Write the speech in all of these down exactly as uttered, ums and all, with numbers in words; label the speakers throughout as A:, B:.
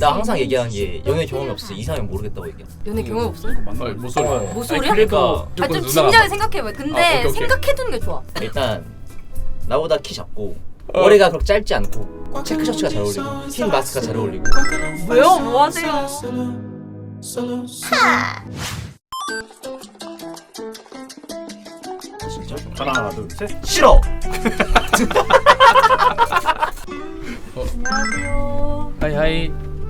A: 나 항상 얘기하는 게 연애 경험이 없어 이상형 모르겠다고 얘기해.
B: 연애 경험 없어?
C: 아니 뭐 소리야?
B: 뭐 소리야?
A: 그러니까
B: 아, 좀 진지하게 생각해봐. 근데
C: 아, 오케이, 오케이.
B: 생각해두는 게 좋아.
A: 일단 나보다 키 작고
C: 어.
A: 머리가 그렇게 짧지 않고 체크 셔츠가 잘 어울리고 흰 마스크가 잘 어울리고.
B: 왜요? 뭐 하세요?
A: 진짜?
D: 하나 둘 셋.
A: 싫어.
B: 안녕하세요.
C: 하이 하이.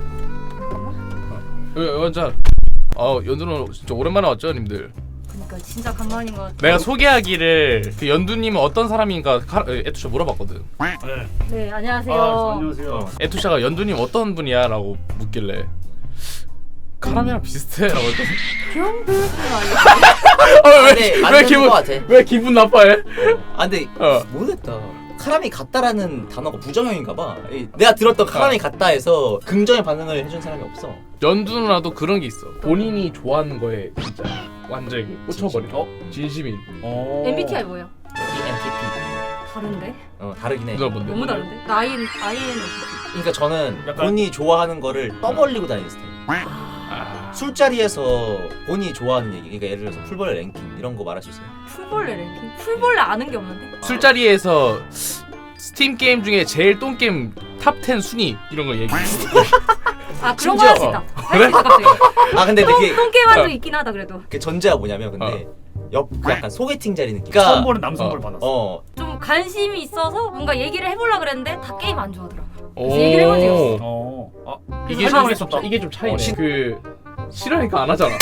C: 연자. 어 연두는 진짜 오랜만에 왔죠, 님들.
B: 그러니까 진짜 간만인 것 같아.
C: 내가 소개하기를 그 연두님은 어떤 사람인가 카, 에투샤 물어봤거든.
D: 네.
B: 네, 안녕하세요.
D: 아, 안녕하세요.
C: 에투샤가 연두님 어떤 분이야라고 묻길래 카라미랑 비슷해라고 했거든.
B: 귀여운 분이
C: 어, 왜,
A: 근데
C: 왜
A: 맞는
C: 기분
A: 거 같아.
C: 왜 기분 나빠해?
A: 아 근데
C: 어.
A: 모르겠다. 카람이 같다라는 단어가 부정형인가 봐. 이- 내가 들었던 카람이 같다 해서 긍정의 반응을 해준 사람이 없어.
C: 연두 누나도 그런 게 있어. 본인이 좋아하는 거에 진짜 완전히 꽂혀버린.
D: 어?
C: 진심인.
D: 어.
B: 엠비티아이 뭐야?
A: 이엔티피.
B: 다른데?
A: 어 다르긴 해.
C: 누나 뭔데?
B: 너무 다른데? 아이엔 아이엔티피.
A: 그러니까 저는
D: 약간-
A: 본인이 좋아하는 거를 떠벌리고 다니는 스타일.
C: 아,
A: 술자리에서 본인이 좋아하는 얘기, 그러니까 예를 들어서 풀벌레 랭킹 이런 거 말할 수 있어요.
B: 풀벌레 랭킹? 풀벌레 아는 게 없는데?
C: 술자리에서 스팀 게임 중에 제일 똥 게임 탑 텐 순위 이런 거 얘기해.
B: 아 그런 거
A: 심지어-
B: 할 수 있다. 할 수 있다 갑자기.
A: 아 근데 그게
B: 똥게임 한
C: 어.
B: 적 있긴 하다 그래도.
A: 그 전제가 뭐냐면 근데 옆 약간 소개팅 자리 느낌.
D: 처음
A: 그러니까
D: 보는 남성분
C: 어.
D: 받았어.
A: 어
B: 좀 관심이 있어서 뭔가 얘기를 해보려 그랬는데 다 게임 안 좋아하더라고.
C: 오.
B: 그래서 얘기를 해본 적이 없어.
D: 어. 아,
C: 이게
D: 설명을
C: 좀
D: 했었다.
C: 이게 좀 차이네.
A: 어, 시-
C: 그 싫어하니까 안 하잖아.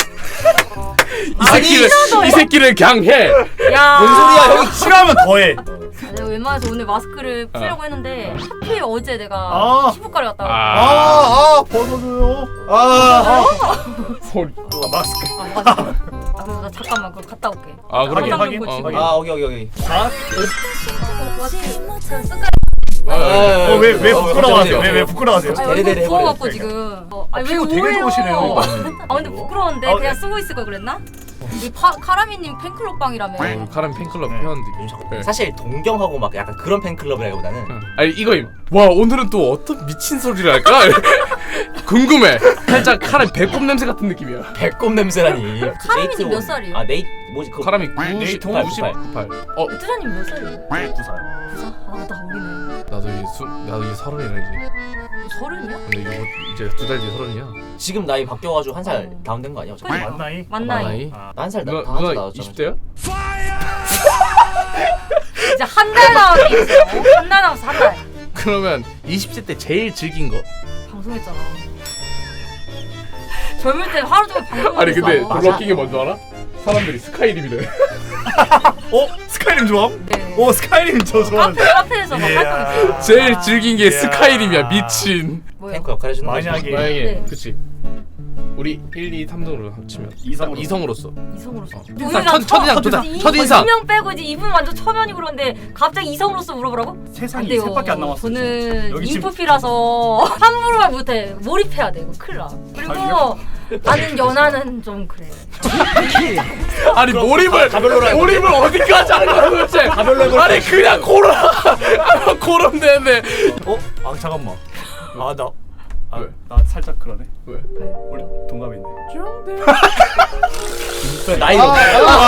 C: 이
A: 아니,
C: 새끼를 이 새끼를 그냥 해.
B: 야.
A: 뭔 소리야 형이.
D: 싫어하면 더해.
B: 아, 내가 웬만해서 오늘 마스크를 풀려고 했는데 하필 어제 내가
D: 아.
B: 피부과를 갔다 왔어.
C: 아,
A: 아아
D: 벗어줘요.
A: 아.
C: 소리.
D: 아, 마스크.
B: 아 맞아. 아 그럼 나 잠깐만 그거 갔다 올게.
C: 아 그러게.
D: 확인, 확인.
B: 고치고.
C: 어,
A: 아 오케이 오케이 오케이.
D: 아,
B: 어, 뭐지? 그 습관.
C: 아,
D: 어, 왜, 왜
A: 어,
D: 부끄러워하세요?
A: 어쩌-
D: 왜, 왜 부끄러워하세요?
B: 아
A: 데레데레
B: 얼굴 부어갖고
A: 해버려.
B: 지금. 어, 아니 왜
D: 피부 되게
B: 오해요?
D: 좋으시네요.
B: 아 근데 부끄러운데
D: 아,
B: 그냥
D: 네.
B: 쓰고 있을 걸 그랬나? 이 파, 카라미님 팬클럽방이라며.
C: 어, 카람 팬클럽
D: 네.
C: 회원들. 네.
A: 사실 동경하고 막 약간 그런 팬클럽이라기보다는
C: 응. 아니 이거임. 와 오늘은 또 어떤 미친 소리를 할까? 궁금해. 살짝 카람 배꼽 냄새 같은 느낌이야.
A: 배꼽 냄새라니.
B: 카람이는 몇 살이에요?
A: 아 네이 뭐지 그
C: 카람이
D: 네이트
C: 구십,
A: 홈?
C: 구십, 구십팔. 어
B: 투자님 몇 살이에요?
D: 구 살.
B: 구사? 아, 나 어리네.
C: 나도 이제 수 나도 이제 서른이라 이제.
B: 서른이야?
C: 근데 이거 뭐 이제 두 달 뒤에 서른이야.
A: 지금 나이 바뀌어가지고 한 살
B: 어.
A: 다운된 거 아니야? 어차피?
B: 그러니까.
D: 만 나이?
B: 만나이.
D: 아,
A: 나 한 살 나
C: 누나
A: 한 살
C: 누나
A: 나왔잖아.
C: 이십 대야?
B: 이제 한 달 남았게 있어. 한 달 남았어, 한 달.
C: 그러면 이십 대 때 제일 즐긴 거.
B: 방송했잖아. 젊을 때 하루 종일 방송했어.
C: 아니 근데
A: 맞아.
C: 놀라 웃긴 게 뭔지 알아? 사람들이 스카이림이래.
D: 어? 스카이림 좋아함?
B: 네.
D: 오, 스카이림 저
B: 카페,
D: 좋아하는데.
B: 카페에서 막 활동했어.
C: 제일 즐긴 게
D: 이야.
C: 스카이림이야 미친.
B: 뭐야?
A: 탱커 역할 해주는 거지.
D: 만약에
C: 만약에
B: 네.
C: 그치. 우리 일, 이, 삼 등으로 합치면
D: 이성으로.
C: 이성으로서.
B: 이성으로서.
C: 어.
B: 우리가
C: 첫- 첫인상, 첫인상, 첫인상.
B: 이명 빼고 이제 이분 완전 초면이고 그런데 갑자기 이성으로서 물어보라고?
D: 세상이
B: 안 돼요.
D: 셋밖에 안 남았어.
B: 저는
D: 여기 지금-
B: 인프피라서 함부로 못해. 몰입해야 돼. 이거 큰일 나. 그리고
D: 자기요?
B: 나는 연하는 좀 그래.
C: 아니 몰입을
A: 가별로로 해볼래?
C: 몰입을 어디까지 하는 거야 도대체?
A: 가별로 해볼래?
C: 아니 그냥 고라. 고름 되네.
D: 어? 아, 잠깐만. 아, 나. 아,
C: 왜?
D: 나 살짝 그러네.
C: 왜?
D: 우리 동갑인데.
A: 나이로.
C: 와,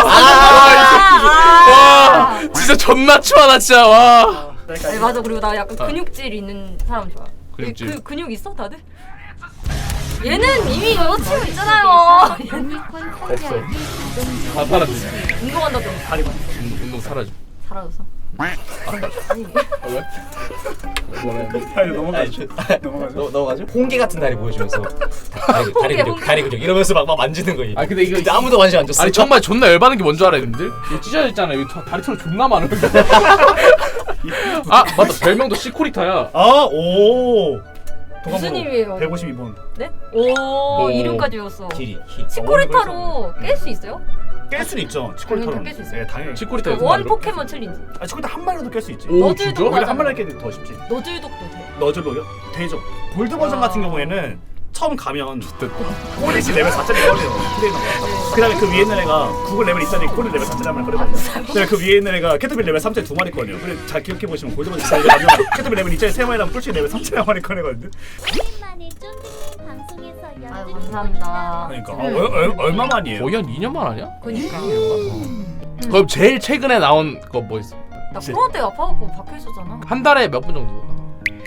B: 아,
C: 와 진짜 존나 추하다 진짜 와.
B: 아니, 맞아. 그리고 나 약간
C: 어.
B: 근육질 있는 사람 좋아.
C: 근육질.
B: 그, 근육 있어 다들? 얘는 이미 여자친구 있잖아요.
A: 됐어.
C: 다 사라지.
B: 운동한다고
D: 다리만.
C: 운동, 운동 사라지.
B: 사라졌어. 아니,
C: 아, 왜? 뭐래?
D: 아니, 넘어가죠.
A: 넘어가죠?
D: 넘어가죠.
A: 넘어가죠? 홍게 같은 다리 보여주면서 다리, 다리
B: 홍게,
A: 근육,
B: 홍게.
A: 다리 근육 이러면서 막, 막 만지는 거지.
C: 아 근데 이거
A: 근데 아무도 관심 안 줬어.
C: 아니 정말 존나 열받는 게 뭔 줄 알아 님들? 이거 찢어졌잖아. 여기 다- 다리 털 존나 많은 거. 아 맞다 별명도 시코리타야.
D: 아, 오.
B: 무슨 의미예요?
D: 백오십이 번.
B: 네? 오,
C: 오.
B: 이름까지 외웠어.
A: 길이. 히.
B: 치코리타로 깰 수 있어요?
D: 깰 수는 있죠. 치콜타로.
B: 당연히 깰수 있어요.
D: 네, 당연히.
C: 시코리타
B: 그
C: 무슨
B: 원
C: 말이야?
B: 포켓몬 챌린지.
D: 아, 치콜타 한 마리라도 깰 수 있지.
C: 오
B: 너즈도
C: 진짜?
D: 오히려
B: 맞아.
D: 한 마리 깨도 더 쉽지.
B: 너즐독도 돼.
D: 너즐로요? 되죠. 골드 버전
B: 아.
D: 같은 경우에는 처음 가면
C: 됐다.
D: 꼬리시 레벨 사짜리 꺼내요. 트레이너가. 그 다음에 그 위에 있는 애가 구글 레벨 이짜리 꼬리 레벨 사짜리 한 마리 꺼내거든요. 그다음에 그 위에 있는 애가 캐터빌 레벨 삼짜리 두 마리 꺼내요. 그래 잘 기억해 보시면 골드 버전 이짜리 가면 캐터빌 레벨 이짜리 세 마리랑 뿔치 레벨 삼짜리 한 마리 꺼내거든요.
E: 오랜만에 좀
B: 아유 감사합니다.
D: 그러니까 어, 얼, 얼, 얼마만이에요?
C: 거의 한 이 년만 아니야?
B: 그니까.
C: 그럼 제일 최근에 나온 거 뭐 있어?
B: 나 코로나 때 아파갖고 박혀 있었잖아.
C: 한 달에 몇 분 정도 나와?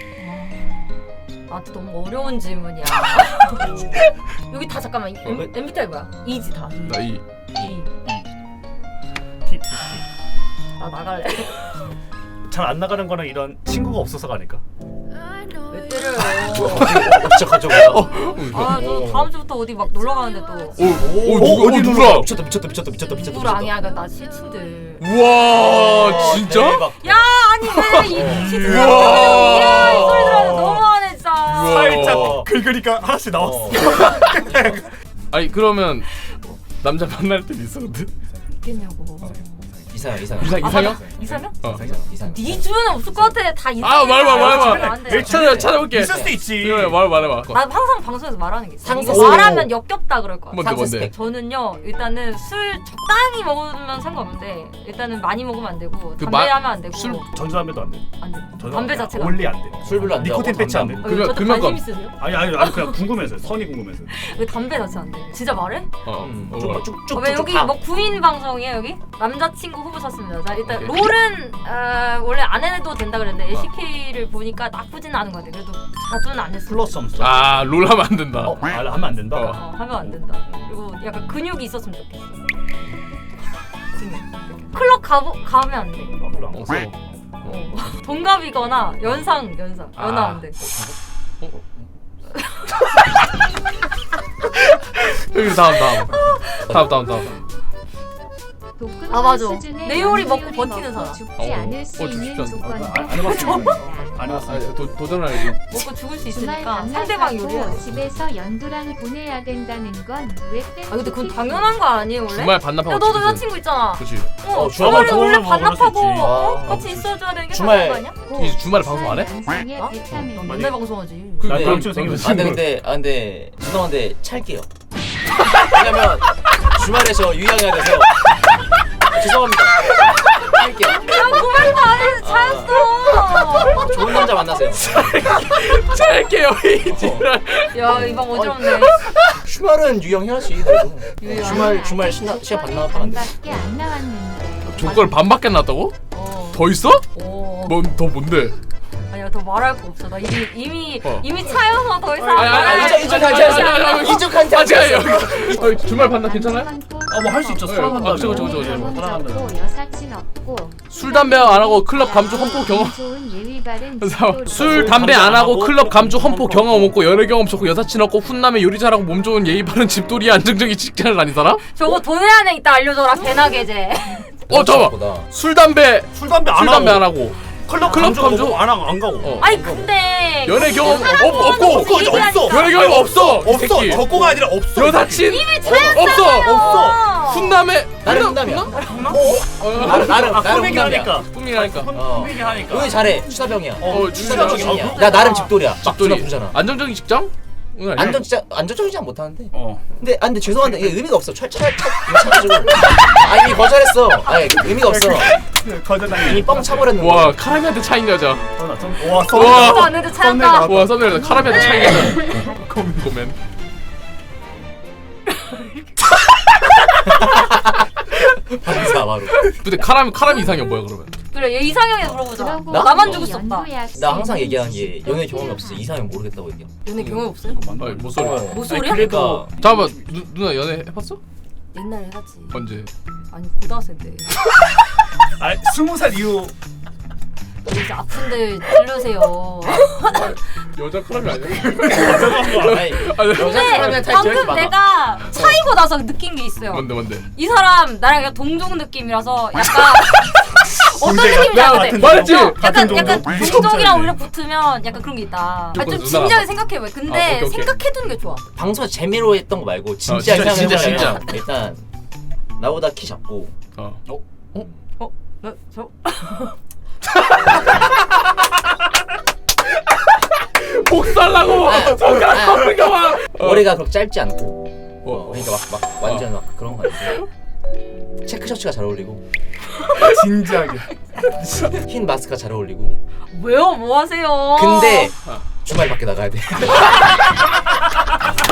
B: 나한테 너무 어려운 질문이야. 여기 다 잠깐만 엠, 엠비티아이 뭐야? 이지 다.
C: 나 이.
B: 이.
D: 티, 티,
B: 나 나갈래.
D: 티. 잘 안 나가는 거는 이런 친구가 없어서가 아닐까?
B: 왜 때려요?
A: 진짜 가져가.
B: 아, 저 다음 주부터 어디 막 놀러 가는데 또.
C: 오, 오, 누가 어디 누구야?
A: 미쳤다 미쳤다 미쳤다 미쳤다 미쳤다.
B: 누구랑이야? 나 시친들.
C: 우와, 진짜?
A: 대박.
B: 야, 아니 왜이 시친들
C: 우와.
B: 이야 이 소리 들어서 너무하네 진짜.
C: 우와.
D: 살짝 긁으니까 하나씩 나왔어.
A: 어.
C: 아니 그러면 남자 만날 때 있어 근데?
B: 있겠냐고.
A: 이상형 이상형.
C: 이상
B: 아,
C: 이상형?
B: 맞아. 이상형?
C: 어.
A: 이상형 이상형.
B: 네 주변에 없을 것 같아. 다 이상형.
C: 아 말해봐 말해봐.
B: 안 돼.
C: 찾아 찾아볼게.
D: 있을 수도 있지.
C: 그래 말 말해봐.
B: 나 항상 방송에서 말하는 게 있어.
A: 상세
B: 이거 말하면 역겹다 그럴 거야.
C: 뭔데 뭔데?
A: 스펙.
B: 저는요 일단은 술 적당히 먹으면 상관없는데 일단은 많이 먹으면 안 되고
C: 그
B: 담배
C: 마-
B: 하면 안 되고
C: 술-
D: 전자담배도 안 돼.
B: 안 돼.
D: 전자담배
B: 담배 자체가
D: 원리 안 돼.
A: 술 별로 안 돼.
D: 니코틴 패치 안 돼.
B: 어,
C: 금연-
B: 저도
C: 금연감.
B: 관심 있으세요?
D: 아니 아니 아니 그냥 궁금해서 선이 궁금해서.
B: 왜 담배 자체 안 돼? 진짜 말해?
C: 어.
A: 음,
C: 어,
A: 쭉
C: 말.
A: 쭉쭉
B: 어, 왜 여기 뭐 구인 방송이에요 여기? 남자친구 후보 찾습니다. 자 일단
C: 오케이.
B: 롤은 어, 원래 안 해도 된다 그랬는데 에이씨케이를 보니까 나쁘진 않은 것 같아. 그래도 자주는 안 했어.
D: 플러스 점수.
C: 아, 롤 하면 안 된다.
D: 아 하면 안 된다.
C: 어.
B: 어, 하면 안 된다. 그리고 약간 근육이 있었으면 좋겠어. 근육. 클럽 가 가면 안 돼.
D: 아, 그래 안
C: 어,
D: 갔어.
B: 어. 동갑이거나 연상 연상 연하
C: 아.
B: 안 돼.
C: 여기 다음 다음. 다음 다음 다음.
B: 아, 맞아. 내 요리 먹고 버티는 사람.
E: 죽지
C: 어,
E: 않을
C: 어,
E: 수
C: 죽지
E: 있는
C: 않는
E: 조건도
D: 안 해봤어. 안
C: 아,
D: 해봤어.
C: 도, 도전하기.
B: 먹고 죽을 수
E: 주말
B: 있으니까
E: 밤낮
B: 상대방 요리해야
E: 하고
B: 돼.
E: 집에서 연두랑 보내야 된다는 건 왜
B: 아 근데 그건 당연한 거 아니에요 원래?
C: 주말 반납하고.
B: 야 너도
C: 집에서.
B: 여자친구 있잖아.
C: 그렇지.
B: 어,
A: 어,
B: 주말에
D: 주말
B: 원래
D: 방송하면 그럴 수
B: 반납하고
D: 있지.
B: 어?
A: 아,
B: 같이 있어줘야 되는 게
A: 주말-
B: 당연한 거 아니야?
C: 이 주말에 방송 안 해?
E: 양상의
B: 어?
E: 비타민
B: 넌 맨날 방송하지.
C: 그,
D: 나
A: 네.
D: 다음 주에 생기면
A: 아 근데 근데 아 근데 죄송한데 찰게요. 왜냐면 주말에 저 유양해야 돼서 아, 죄송합니다. 찰게요.
B: 야 고백도 안 해서 차였어.
A: 좋은 남자 만나세요.
C: 짧게요 이
B: 야이 방 어지럽네.
A: 주말은 유양해야지. 그래도.
B: 유양.
A: 주말 주말 시나, 시간 반납하면 안 돼.
E: 반밖에 안 나왔는데
C: 조건 반밖에 안 났다고?
B: 어.
C: 더 있어?
B: 어.
C: 뭔 더 뭔데?
B: 아니야 더 말할 거 없어. 나 이미 이미
C: 어.
B: 이미 차여서 더 이상.
C: 아니, 아니, 아니,
B: 말할
A: 이쪽
B: 거
A: 이쪽
B: 없어.
A: 괜찮아. 이쪽한테
C: 아
A: 안
C: 제가
A: 돼.
C: 여기 주말 반납 괜찮아요?
D: 아 뭐 할 수 있죠.
C: 네.
D: 사랑한다.
C: 아, 저거, 저거, 저거, 저거.
D: 사랑한다.
E: 없고 여사친 없고
C: 술 담배 안 하고 클럽 감주 험포 경험.
E: 좋은 예의 바른
C: 술 담배 안 하고 클럽 감주 험포 경험 없고 연애 경험 좋고 여사친 없고 훈남에 요리 잘하고 몸 좋은 예의 바른 집돌이 안정적인 직장을 다닌 사람?
B: 저거 돈의 안에 있다 알려줘라 개나 개제.
C: 어 잠깐만. 술 담배
D: 술 담배 안
C: 술 담배 안
D: 하고
C: 하고
D: 클럽
C: 클럽
D: 감주
C: 감주?
D: 안 하고 안 가고.
C: 어.
B: 아니 근데
C: 연애 경험
B: 사람
C: 없, 없고
B: 좋아하는
D: 없고,
B: 것도 얘기하니까.
D: 없어.
C: 연애 경험 없어 이
D: 없어.
C: 새끼.
D: 적고가 아니라 없어.
C: 여사친
B: 이미
C: 없어
B: 차였잖아요.
C: 없어 훈남에
A: 나는
C: 훈남?
A: 훈남이야.
C: 훈남?
A: 나름
C: 어,
A: 나름
D: 아
A: 나름
D: 꾸미기
A: 훈남이야.
D: 하니까.
C: 꿈이라니까
A: 어.
D: 꾸미기 하니까.
A: 여기 잘해. 추사병이야.
C: 어,
A: 추사병이야.
D: 어,
A: 나 나름 집돌이야. 막 누나
C: 집돌이
A: 부르잖아.
C: 안정적인 직장? 오늘 아니야?
A: 안전 진짜 안전적이지 못하는데.
D: 어.
A: 근데 아 근데 죄송한데 이게 의미가 없어. 철철 차가지고. 아 이미 거절했어. 아 의미가 없어.
D: 거절당해.
A: 이미 뻥 차버렸는데.
C: 와 카라미한테 차인 여자.
D: 와
C: 와.
B: 아무도 안 했는데 차였다.
C: 와 썸네일 카라미한테 차인 여자. 고멘 고멘.
A: 반사 바로.
C: 근데 카라미 카라미 이상이 뭐야 그러면?
B: 그래 얘 이상형에 물어보자.
E: 그러고
A: 나?
B: 나만 죽을 수 없다.
E: 연도야
A: 나 항상 얘기하는 게 연애 경험이 없어. 이상형 모르겠다고 얘기해.
B: 연애 경험 없어요?
C: 아니 뭐 소리?
A: 어.
B: 뭐 소리야?
A: 그러니까
C: 잠깐만 누, 누나 연애 해봤어?
B: 옛날에 해봤지.
C: 언제?
B: 아니 고등학생 때.
D: 아 스무 살 이후
B: 이제 아픈데 찔러세요.
C: 여자 카라미 아니야?
A: 아니,
C: 아니,
A: 여자
B: 근데
A: 사람한테 제일
B: 방금
A: 많아.
B: 내가 차이고 나서 느낀 게 있어요.
C: 뭔데 뭔데?
B: 이 사람 나랑 약간 동종 느낌이라서 약간 어떤
D: 동생이야?
B: 느낌인지
D: 나
B: 알거든?
D: 같은
C: 말했지?
B: 어,
D: 같은
B: 약간
D: 동종?
B: 약간
D: 이게
B: 동종이랑
D: 진짜지.
B: 오히려 붙으면 약간 그런 게 있다. 아, 좀
C: 누나랑
B: 진지하게
C: 봐.
B: 생각해봐. 근데
C: 아, 오케이, 오케이.
B: 생각해두는 게 좋아.
A: 방송에서 재미로 했던 거 말고 진짜
C: 어, 진짜,
A: 이상형
C: 진짜,
A: 해보려면
C: 진짜.
A: 일단 나보다 키 작고
C: 어.
B: 어? 나, 저?
C: 복살라고
A: 아,
C: 손가락
A: 아.
C: 꺾는 봐.
A: 머리가 그렇게 짧지 않고
C: 어.
A: 어, 그러니까 막, 막 완전 막 그런 거 아니고 체크 셔츠가 잘 어울리고
D: 진지하게.
A: 흰 마스크가 잘 어울리고
B: 왜요? 뭐 하세요?
A: 근데
C: 어.
A: 주말 밖에 나가야 돼.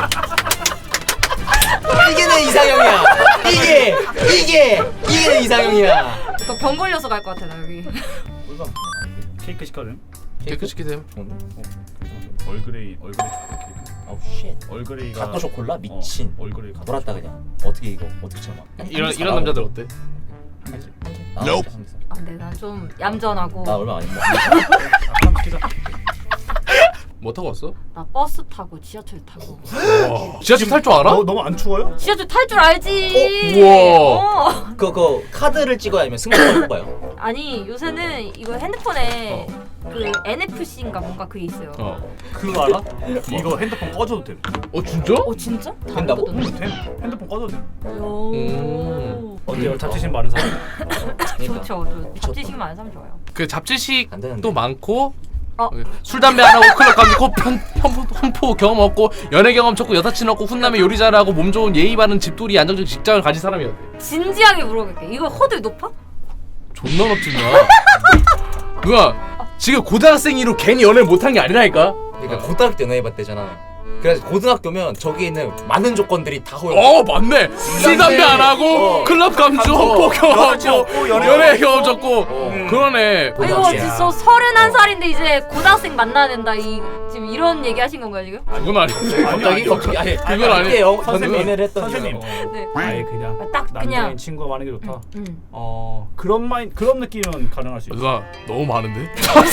A: 이상형이야.
B: 너 병 걸려서 갈 것 같아 나 여기.
D: 꿀밤. 케이크 시켜줘.
C: 케이크 시키세요.
D: 얼그레이 얼그레이 초코 케이크.
A: 아우 쉣.
D: 얼그레이가
A: 가토 쇼콜라 미친.
D: 어, 얼그레이 가토
A: 돌았다 그냥. 어떻게 이거 어떻게 참아?
C: 이런 이런 남자들 어때?
A: 나
F: Nope.
B: 아 근데 난 좀 얌전하고.
A: 나 얼마 안 했나?
D: 한번 시키자.
C: 뭐 타고 왔어?
B: 나 버스 타고 지하철 타고.
C: 와. 지하철 탈 줄 알아?
D: 너 너무 안 추워요?
B: 지하철 탈 줄 알지.
C: 우와.
B: 어.
A: 그거 그 카드를 찍어야 아니면 승부를 뽑아요?
B: 아니 요새는 이거 핸드폰에 그 엔에프씨인가 뭔가 그게 있어요. 어,
C: 어.
D: 그거 알아? 이거 핸드폰 꺼줘도 돼.
C: 어 진짜?
B: 진짜?
A: 된다고?
D: 응, 돼. 핸드폰 꺼줘도 돼.
B: 오.
C: 음.
D: 어때요? 잡지심 많은 사람.
A: 그러니까.
B: 좋죠. 저 잡지식 많은 사람 좋아요.
C: 그 잡지식도
A: 안 되는데.
C: 많고
B: 어.
C: 술 담배 안 하고 클럽 가고 편 험포 경험 없고 연애 경험 적고 여사친 없고 훈남에 요리 잘하고 몸 좋은 예의 바른 집돌이 안정적인 직장을 가진 사람이었대.
B: 진지하게 물어볼게. 이거 허들 높아?
C: 존나 높지 누나. 누나 지금 고등학생이로 괜히 연애를 못한 게 아니라니까.
A: 그러니까 고등학교 때 연애해봤대잖아. 그래서 고등학교면 저기 있는 많은 조건들이 다 허용.
C: 어 맞네. 술 담배 안 하고
A: 어.
C: 클럽 감주 험포 경험
D: 여사친
C: 없고
D: 없고, 연애
C: 연애 경험 적고
A: 어.
C: 그러네.
B: 아 이거
A: 고등학생이야.
B: 진짜 서른한 살인데 이제 고등학생 만나야 된다. 이 지금 이런 얘기 하신 건가요 지금?
C: 그건 아니지.
A: 갑자기 갑자기 아니
C: 그건 아니-
A: 그때 영-
D: 선생님,
A: 연애를 했던
D: 선생님.
A: 이유가.
B: 네.
D: 아예 그냥
B: 아, 딱
D: 남자인
B: 그냥.
D: 친구가 많은 게 좋다.
B: 음.
D: 어 그런 마인 그런 느낌은 가능할 수 있어.
C: 누나 너무 많은데?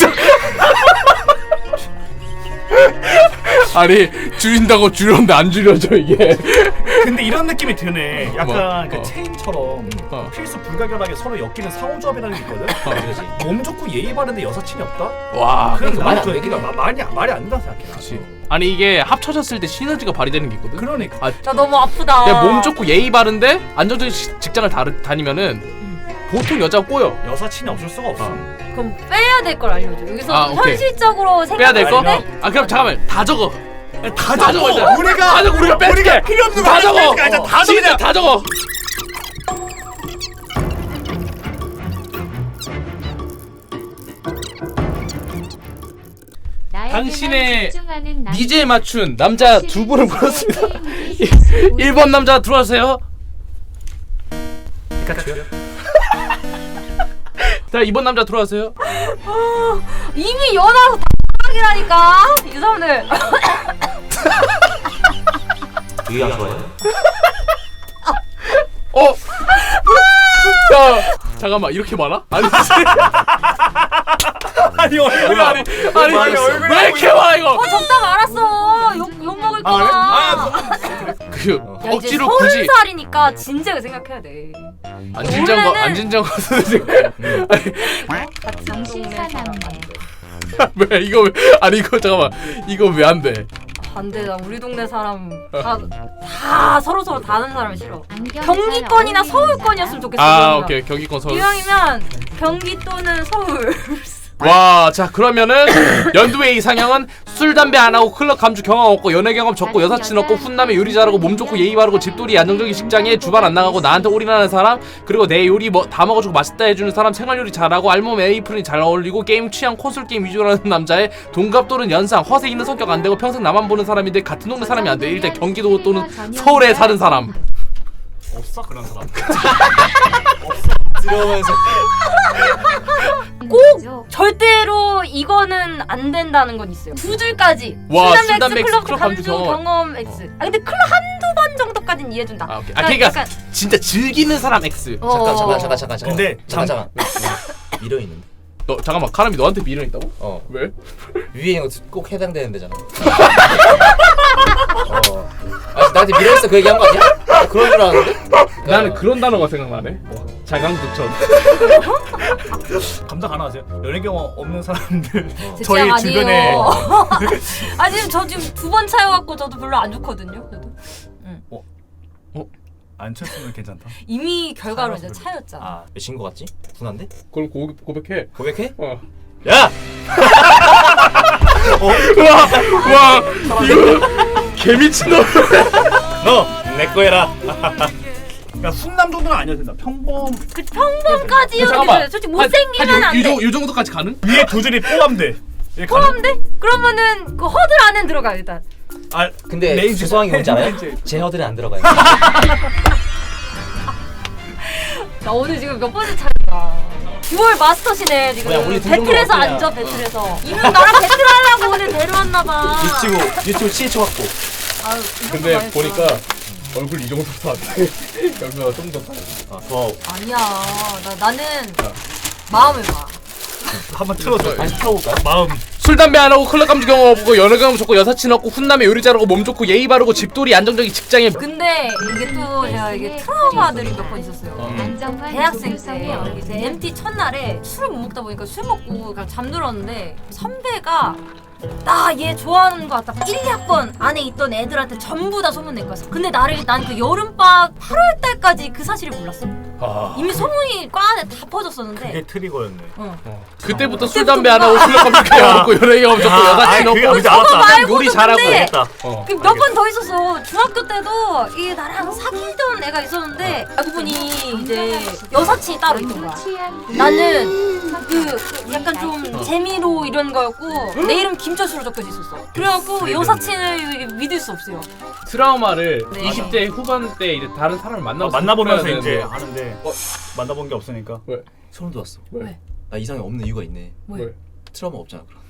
C: 아니 줄인다고 줄였는데 안 줄여져 이게.
D: 근데 이런 느낌이 드네. 약간
C: 뭐?
D: 그
C: 어.
D: 체인처럼
C: 어.
D: 필수 불가결하게 서로 엮이는 상호조합이라는 게 있거든.
A: 그러지.
D: 몸 좋고 예의 바른데 여사친이 없다?
C: 와.
D: 그럼
A: 말이 안
D: 그
A: 되긴 해.
D: 마- 말이 말이 안 된다고 생각해.
C: 그렇지. 아니 이게 합쳐졌을 때 시너지가 발휘되는 게 있거든.
D: 그러니까.
C: 아,
B: 나 너무 아프다.
C: 그냥 몸 좋고 예의 바른데 안정적인 시- 직장을 다르, 다니면은 보통 여자가 꼬여.
D: 여사친이 없을 수가 없어.
B: 그럼 빼야 될 걸 알려줘. 여기서
C: 아, 오케이.
B: 현실적으로
C: 빼야 될 거?
D: 아니면-
C: 아 그럼 잠깐만 다 적어.
D: 다
C: 다 적어. 일단.
D: 우리가
C: 다 적어. 우리가 뺄게.
D: 우리가 필요 없는
C: 다
D: 거
C: 적어.
D: 뺄게. 일단 다 적어.
C: 진짜 다 적어.
E: 나에게만
C: 당신의
E: 집중하는 남자.
C: 니제에 맞춘 남자 두 분을 불렀습니다. 일 번 남자 들어와주세요.
D: 피카츄.
C: 자 이 번 남자 들어와주세요.
B: 이미 연하서 다이라니까 이 사람들.
A: 유희양 좋아해요?
C: 어? 야 잠깐만 이렇게 많아? 아니
D: 아니 얼굴
C: 아니 아니
D: 아니, 얼굴이
C: 왜 이렇게 많아 이거?
B: 어 적다 말았어. 욕, 욕 먹을 거야.
D: 아,
C: 그
B: 야, 이제
C: 억지로
B: 서른
C: 굳이
B: 살이니까 진작에 생각해야 돼.
C: 안 진지한 거 안
B: 원래는-
C: 진지한 거 같은데
B: 같은
E: 정신사
B: 동네
E: 남매.
C: 왜 이거 왜 아니 이거 잠깐만 이거 왜 안 돼?
B: 안돼 나 우리 동네 사람 다, 다 서로 서로 다 아는 사람 싫어.
E: 안경
B: 경기권이나
E: 잘 어울리는
B: 서울권이었으면 좋겠어.
C: 아
B: 이왕이면.
C: 오케이 경기권 서울.
B: 이왕이면 경기 또는 서울.
C: 와, 자 그러면은 연두의 이상형은 술 담배 안 하고 클럽 감주 경험 없고 연애 경험 적고 여사친 없고 훈남에 요리 잘하고 몸 좋고 예의 바르고 집돌이 안정적인 직장에 주말 안 나가고 나한테 올인하는 사람 그리고 내 요리 뭐 다 먹어주고 맛있다 해주는 사람 생활 요리 잘하고 알몸 에이프린이 잘 어울리고 게임 취향 콘솔 게임 위주로 하는 남자의 동갑 또는 연상 허세 있는 성격 안 되고 평생 나만 보는 사람인데 같은 동네 사람이 안 돼. 일단 경기도 또는 서울에 사는 사람.
D: 없어 그런 사람.
A: 들어오면서
B: 꼭 절대로 이거는 안 된다는 건 있어요. 두 줄까지.
C: 와,
B: 술
C: 술,
B: 담배
C: 담배,
B: X 클럽
C: 클럽
B: 감주
C: 감주 경험.
B: 경험 X. 아 근데 클럽 한두 번 정도까지는 이해해준다.
C: 아 오케이. 아 그러니까 진짜 즐기는 사람 X.
B: 어.
A: 잠깐 잠깐 잠깐 잠깐 잠깐.
D: 근데
A: 잠깐 잠깐. 어, 미려 있는데.
C: 너 잠깐만 카람이 너한테 미련 있다고?
A: 어.
C: 왜?
A: 위에 꼭 해당되는 데잖아. 어. 아, 나한테 미려 있어 그 얘기한 거 아니야? 나 그런 줄 알았는데.
C: 나는 그런 단어가 생각나네. 자강두천.
D: 감당 가능하세요? 연애 경험 없는 사람들
B: 제
D: 저희
B: 취향
D: 주변에
B: 아니에요. 아 지금 저 지금 두 번 차여갖고 저도 별로 안 좋거든요. 저도.
D: 안 쳤으면 괜찮다.
B: 이미 결과로 이제
D: 차여서
B: 차였잖아.
A: 아, 몇인 거 같지? 분한데?
C: 그럼 고, 고백해.
A: 고백해?
C: 어.
A: 야!
C: 와, 와, 이거 개미친 놈.
A: 너 내 거 해라.
D: 그러니까 훈남 정도는 아니어도 된다. 평범
B: 그 평범까지
C: 잠깐만.
B: 여기서 솔직히 못생기면 안
C: 이,
B: 돼.
C: 정- 이 정도까지 가능?
D: 위에 두 줄이 포함돼. 이게 가능-
B: 포함돼? 그러면은 그 허들 안에 들어가 일단.
D: 아
A: 근데
D: 레인지-
A: 죄송한 게 뭔지 알아요?
D: 레인지.
A: 제 허들이 안 들어가요.
B: 나 오늘 지금 몇 번째 차례야. 듀얼 마스터시네 지금.
A: 뭐야, 우리 등등도
B: 배틀에서
A: 어때요?
B: 앉아 배틀에서. 이분 나랑 배틀하려고 오늘 데려왔나봐.
A: 유튜브 유튜브 시에쳐 갖고.
B: 아유, 이 정도
C: 근데
B: 말했어.
C: 보니까 얼굴 이 정도도 안 돼. 여기가 좀 더.
A: 아, 더
B: 아니야. 나 나는 마음을 봐.
D: 한번 틀어줘.
A: 다시 틀어볼까요?
D: 마음.
C: 술 담배 안 하고 클럽 감주 경험 없고 연애 경험 좋고 여사친 없고 훈남에 요리 잘하고 몸 좋고 예의 바르고 집돌이 안정적인 직장에
B: 근데 이게 또 제가 이게 트라우마들이 몇 번 있었어요.
C: 음.
E: 안정환
B: 대학생 때
E: 조성현.
B: 이제 엠티 첫날에 술을 못 먹다 보니까 술 먹고 그냥 잠들었는데 선배가 나 얘 좋아하는 거 같다. 일, 이 학번 안에 있던 애들한테 전부 다 소문낸 거였어. 근데 나를 난 그 여름방학 팔월 달까지 그 사실을 몰랐어.
C: 아.
B: 이미 소문이 과 안에 다 퍼졌었는데.
D: 그게 트리거였네.
B: 어.
C: 어. 그때부터 술 담배 안 하고 클럽 감주 경험 없고 연애 경험 좋고
D: 야,
C: 여사친
D: 아이, 그게
C: 없고
D: 이제 알았다.
B: 말고도
C: 요리 잘하고
B: 근데
D: 알겠다.
C: 어.
B: 몇 번 더 있었어. 중학교 때도 이게 나랑 사귀던 애가 있었는데 알고 보니 이제 여사친이 따로 있던 거야. 나는 그, 그 약간 좀 재미로 이런 거였고 내 이름 김철수로 적혀져 있었어. 그래갖고 여사친을 믿을 수 없어요.
C: 트라우마를
B: 네.
C: 이십 대 후반 때 이제 다른 사람을 만나고
D: 어, 만나보면서
C: 풀어야
D: 이제
C: 되는데.
D: 하는데
A: 어?
D: 만나본 게 없으니까.
A: 소름 돋았어.
C: 왜?
A: 나 이상이 없는 이유가 있네.
B: 왜?
C: 왜?
A: 트라우마 없잖아. 그럼.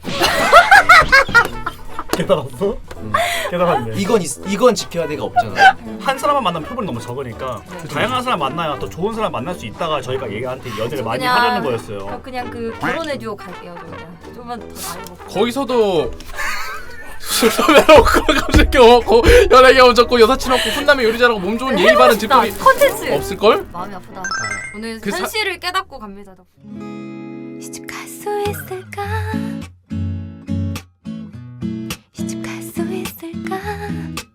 D: 깨달았어? 깨달았네.
A: 이건 있, 이건 지켜야 돼가 없잖아.
D: 한 사람만 만나면 표본이 너무 적으니까 다양한 사람 만나야 또 좋은 사람 만날 수 있다가 저희가 얘한테 연애를 많이
B: 그냥-
D: 하려는 거였어요.
B: 그냥 그 결혼해 듀오 갈게요. 저 그냥 좀만 더 나이 먹고.
C: 거기서도 술 담배 안 하고 클럽 감주 경험 없고 연애 경험 좋고 여사친 없고 훈남에 요리 잘하고 몸 좋은 예의 바른 집돌이
B: 컨텐츠.
C: 없을걸?
B: 마음이 아프다. 오늘
C: 그 사-
B: 현실을 깨닫고 갑니다.
F: 시집갈 수 있을까? 시집갈 수 있을까?